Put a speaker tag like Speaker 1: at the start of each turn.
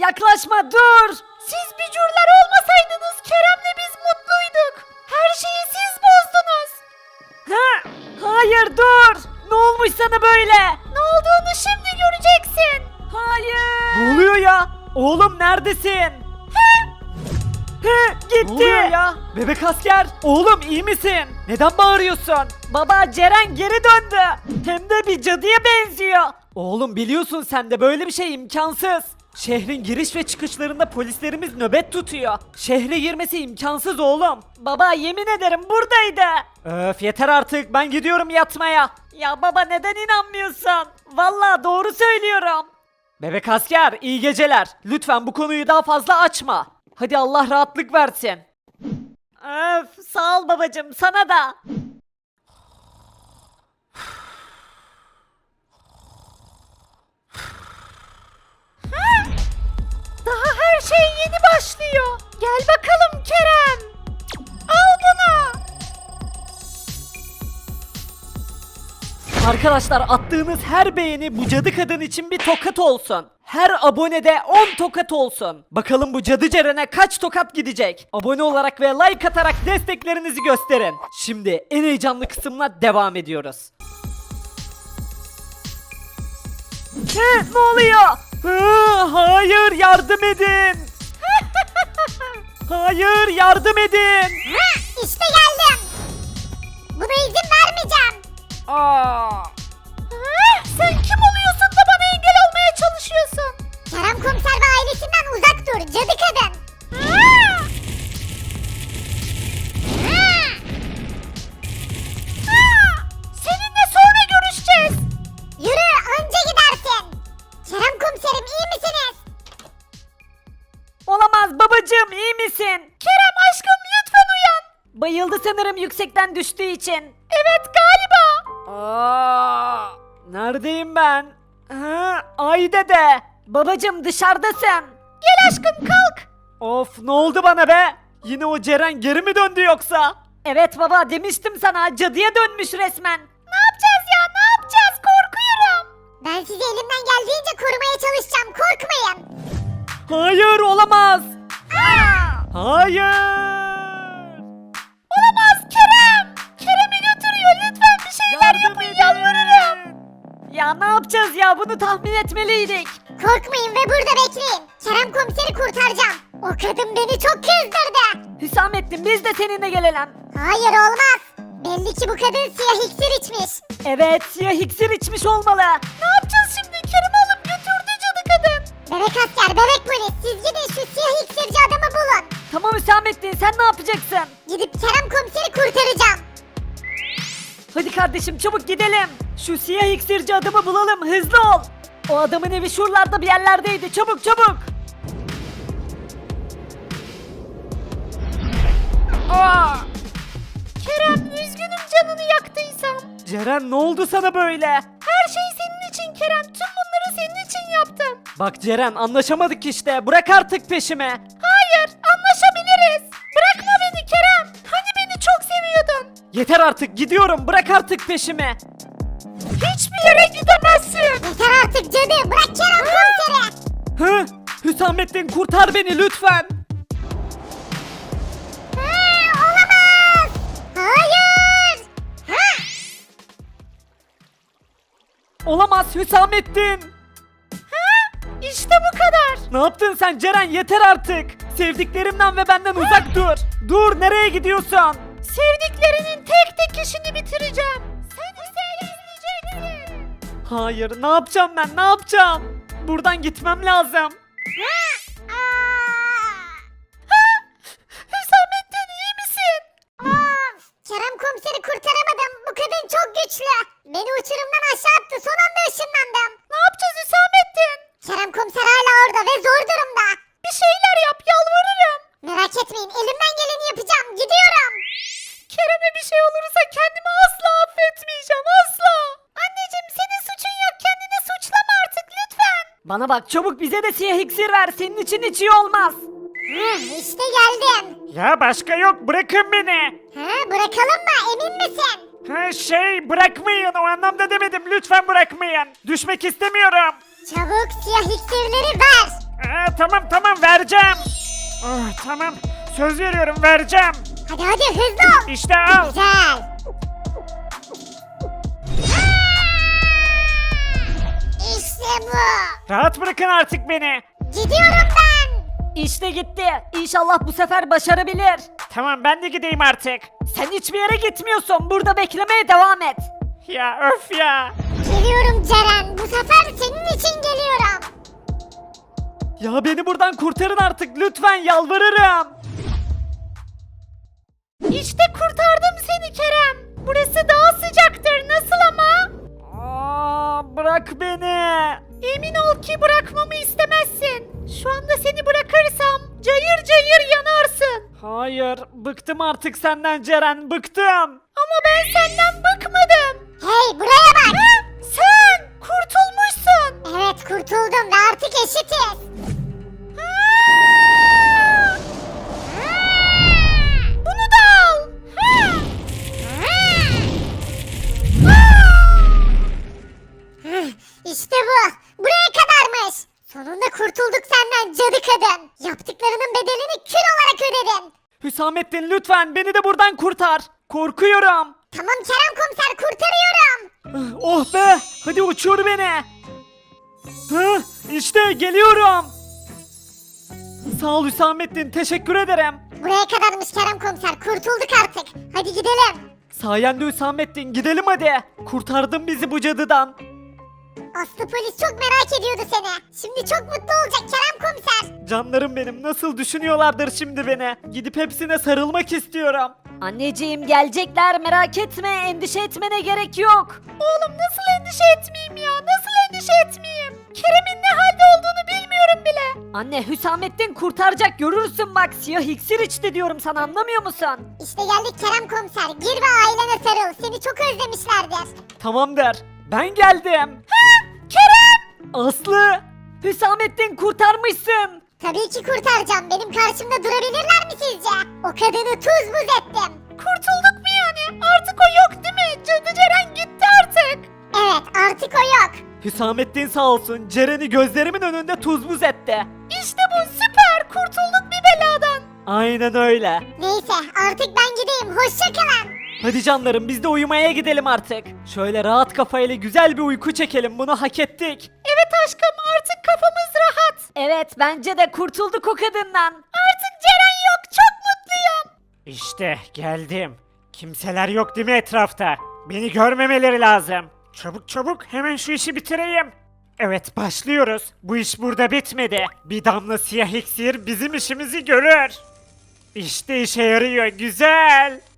Speaker 1: Yaklaşma, dur. Siz bücürler olmasaydınız Kerem'le biz mutluyduk. Her şeyi siz bozdunuz. Hayır, dur. Ne olmuş sana böyle? Ne olduğunu şimdi göreceksin. Hayır. Ne oluyor ya? Oğlum neredesin? Gitti. Ne oluyor ya? Bebek asker. Oğlum iyi misin? Neden bağırıyorsun? Baba, Ceren geri döndü. Hem de bir cadıya benziyor. Oğlum biliyorsun sen de böyle bir şey imkansız. Şehrin giriş ve çıkışlarında polislerimiz nöbet tutuyor. Şehre girmesi imkansız oğlum. Baba yemin ederim buradaydı. Öf yeter artık, ben gidiyorum yatmaya. Ya baba neden inanmıyorsun? Vallahi doğru söylüyorum. Bebek asker iyi geceler. Lütfen bu konuyu daha fazla açma. Hadi Allah rahatlık versin. Öf sağ ol babacım, sana da. Daha her şey yeni başlıyor. Gel bakalım Kerem. Al bunu. Arkadaşlar attığınız her beğeni bu cadı kadın için bir tokat olsun. Her abonede 10 tokat olsun. Bakalım bu cadı Ceren'e kaç tokat gidecek? Abone olarak ve like atarak desteklerinizi gösterin. Şimdi en heyecanlı kısımla devam ediyoruz. Ne oluyor? Hayır yardım edin. Hayır yardım edin.
Speaker 2: İşte geldim. Buna izin vermeyeceğim.
Speaker 1: Sen kim oluyorsun da bana engel olmaya çalışıyorsun?
Speaker 2: Kerem komiser ve ailesinden uzak dur cadı kadın.
Speaker 1: Seninle sonra görüşeceğiz.
Speaker 2: Yürü anca gidersin. Kerem komiserim iyi misiniz?
Speaker 1: Olamaz babacığım, iyi misin? Kerem aşkım lütfen uyan. Bayıldı sanırım yüksekten düştüğü için. Evet galiba. Neredeyim ben? Ay dede. Babacığım dışarıdasın. Gel aşkım kalk. Of ne oldu bana be? Yine o Ceren geri mi döndü yoksa? Evet baba, demiştim sana, cadıya dönmüş resmen. Ne yapacağız ya, ne yapacağız, korkuyorum.
Speaker 2: Ben sizi elimden geldiğince korumaya çalışacağım korkmayın.
Speaker 1: Hayır olamaz. Hayır. Olamaz Kerem. Kerem'i götürüyor, lütfen bir şeyler yapın yalvarırım. Ya ne yapacağız ya, bunu tahmin etmeliydik.
Speaker 2: Korkmayın ve burada bekleyin. Kerem komiseri kurtaracağım. O kadın beni çok kızdırdı.
Speaker 1: Hüsamettin biz de seninle gelelim.
Speaker 2: Hayır olmaz. Belli ki bu kadın siyah iksir içmiş.
Speaker 1: Evet, siyah iksir içmiş olmalı. Ne yapacağız şimdi? Kerem'i alıp götürdü cadı kadın.
Speaker 2: Bebek asker, bebek polis siz gidin şu siyah iksirci adamı bulun.
Speaker 1: Tamam Hüsamettin, sen ne yapacaksın?
Speaker 2: Gidip Kerem komiseri kurtaracağım.
Speaker 1: Hadi kardeşim çabuk gidelim. Şu siyah iksirci adamı bulalım, hızlı ol. O adamın evi şuralarda bir yerlerdeydi, çabuk çabuk. Kerem üzgünüm canını yaktıysam. Ceren ne oldu sana böyle? Her şey senin için Kerem, tüm bunları senin için yaptım. Bak Ceren anlaşamadık işte, bırak artık peşimi. Hayır anlaşabiliriz. Bırakma beni Kerem, hani beni çok seviyordun. Yeter artık, gidiyorum, bırak artık peşimi. Hiçbir yere gidemezsin.
Speaker 2: Yeter artık cadı bırak Kerem komiseri.
Speaker 1: Hı? Hüsamettin kurtar beni lütfen.
Speaker 2: Olamaz. Hayır.
Speaker 1: Olamaz Hüsamettin. İşte bu kadar. Ne yaptın sen Ceren, yeter artık. Sevdiklerimden ve benden uzak dur. Dur, nereye gidiyorsun? Sevdiklerinin tek tek işini bitireceğim. Sen ise izleyeceksin. Hayır, ne yapacağım ben, ne yapacağım? Buradan gitmem lazım. Hüsamettin iyi misin?
Speaker 2: Of. Kerem komiseri kurtaramadım. Bu kadın çok güçlü. Beni uçurumdan aşağı attı. Son anda ışınlandım.
Speaker 1: Ne yapacağız Hüsamettin?
Speaker 2: Kerem komiser hala orada ve zor durumda.
Speaker 1: Bir şeyler yap, yalvarırım.
Speaker 2: Merak etmeyin elimden geleni yapacağım. Gidiyorum.
Speaker 1: Kerem'e bir şey olursa kendimi asla affetmeyeceğim, asla. Anneciğim senin suçun yok, kendini suçlama artık lütfen. Bana bak çabuk, bize de siyah iksir ver, senin için hiç iyi olmaz.
Speaker 2: İşte geldim.
Speaker 1: Ya başka yok, bırakın beni.
Speaker 2: Bırakalım mı emin misin?
Speaker 1: Bırakmayın, o anlamda demedim, lütfen bırakmayın. Düşmek istemiyorum.
Speaker 2: Çabuk siyah iksirleri ver.
Speaker 3: Tamam vereceğim. Tamam söz veriyorum vereceğim.
Speaker 2: Hadi hızlı ol.
Speaker 3: İşte al.
Speaker 2: Güzel. İşte bu.
Speaker 3: Rahat bırakın artık beni.
Speaker 2: Gidiyorum ben.
Speaker 1: İşte gitti. İnşallah bu sefer başarabilir.
Speaker 3: Tamam ben de gideyim artık.
Speaker 1: Sen hiçbir yere gitmiyorsun. Burada beklemeye devam et.
Speaker 3: Ya öf ya.
Speaker 2: Geliyorum Ceren. Bu sefer senin için geliyorum.
Speaker 1: Ya beni buradan kurtarın artık lütfen yalvarırım.
Speaker 2: İşte kurtardım seni Kerem. Burası daha sıcaktır. Nasıl ama?
Speaker 1: Bırak beni.
Speaker 2: Emin ol ki bırakmamı istemezsin. Şu anda seni bırakırsam cayır cayır yanarsın.
Speaker 1: Hayır, bıktım artık senden Ceren, bıktım.
Speaker 2: Ama ben senden bıkmadım. Hey buraya bak. Sen kurtulmuşsun. Evet kurtuldum ve artık eşitiz. Bunu da al. İşte bu. Buraya kadarmış. Sonunda kurtulduk senden cadı kadın. Yaptıklarının bedelini kül olarak ödedin.
Speaker 1: Hüsamettin lütfen beni de buradan kurtar. Korkuyorum.
Speaker 2: Tamam Kerem komiser kurtarıyorum.
Speaker 1: Oh be, hadi uçur beni. İşte geliyorum. Sağ ol Hüsamettin, teşekkür ederim.
Speaker 2: Buraya kadarmış Kerem komiser. Kurtulduk artık. Hadi gidelim.
Speaker 1: Sayende Hüsamettin, gidelim hadi. Kurtardın bizi bu cadıdan.
Speaker 2: Aslı polis çok merak ediyordu seni. Şimdi çok mutlu olacak Kerem komiser.
Speaker 1: Canlarım benim, nasıl düşünüyorlardır şimdi beni. Gidip hepsine sarılmak istiyorum. Anneciğim gelecekler, merak etme, endişe etmene gerek yok.
Speaker 2: Oğlum nasıl endişe etmeyeyim ya? Nasıl endişe etmeyeyim? Kerem'in ne halde olduğunu bilmiyorum bile.
Speaker 1: Anne Hüsamettin kurtaracak, görürsün bak, siyah iksir içti diyorum sana, anlamıyor musun?
Speaker 2: İşte geldik Kerem komiser. Gir ve ailene sarıl. Seni çok özlemişlerdir.
Speaker 1: Tamamdır, ben geldim.
Speaker 2: Kerem!
Speaker 1: Aslı, Hüsamettin kurtarmışsın.
Speaker 2: Tabii ki kurtaracağım. Benim karşımda durabilirler mi sizce? O kadını tuz buz ettim. Kurtulduk mu yani? Artık o yok değil mi? Cadı Ceren gitti artık. Evet artık o yok.
Speaker 1: Hüsamettin sağ olsun, Ceren'i gözlerimin önünde tuz buz etti.
Speaker 2: İşte bu süper. Kurtulduk bir beladan.
Speaker 1: Aynen öyle.
Speaker 2: Neyse artık ben gideyim. Hoşça kalın.
Speaker 1: Hadi canlarım, biz de uyumaya gidelim artık. Şöyle rahat kafayla güzel bir uyku çekelim, bunu hak ettik.
Speaker 2: Evet aşkım artık kafamız rahat.
Speaker 1: Evet, bence de kurtulduk o kadından.
Speaker 2: Artık Ceren yok. Çok mutluyum.
Speaker 3: İşte geldim. Kimseler yok değil mi etrafta? Beni görmemeleri lazım. Çabuk çabuk hemen şu işi bitireyim. Evet başlıyoruz. Bu iş burada bitmedi. Bir damla siyah iksir bizim işimizi görür. İşte işe yarıyor güzel.